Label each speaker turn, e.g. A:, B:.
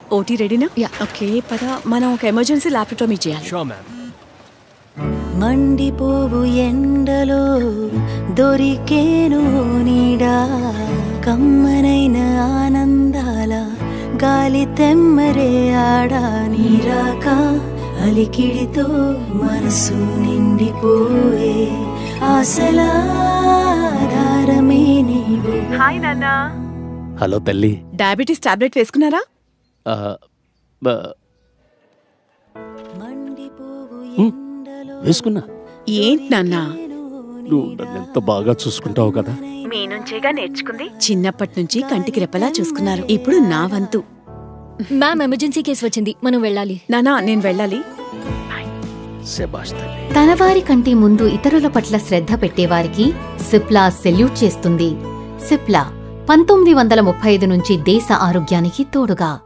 A: OT రెడీనా?
B: Yeah.
A: Okay పద, మనం ఒక ఎమర్జెన్సీ ల్యాప్రటమీ చేయాలి.
C: Sure ma'am.
D: మండిపోవు ఎండలో దొరికేను నీడా, కమ్మనైన ఆనందాల గాలి తెమ్మరే ఆడా, నీరాక అలికిడితో మనసు నిండిపోయే ఆశల ఆధారమే నీవు.
A: హాయ్ నాన్న.
C: హలో తల్లి.
A: డయాబెటీస్ టాబ్లెట్ వేసుకున్నారా?
D: మండిపోవు
C: వేసుకున్నా.
A: ఏంటి నాన్న?
C: నువ్వు నన్ను ఎంత బాగా చూసుకుంటావు కదా.
A: మీ నుంచేగా నేర్చుకుంది. చిన్నప్పటి నుంచి కంటికి రెప్పలా చూసుకున్నారు. ఇప్పుడు నా వంతు.
B: మ్యామ్ ఎమర్జెన్సీ కేసు వచ్చింది, మనం వెళ్ళాలి.
A: నానా నేను వెళ్ళాలి.
C: శభాష్ తల్లి.
E: తన వారి కంటే ముందు ఇతరుల పట్ల శ్రద్ధ పెట్టేవారికి సిప్లా సెల్యూట్ చేస్తుంది. సిప్లా 1935 నుంచి దేశ ఆరోగ్యానికి తోడుగా.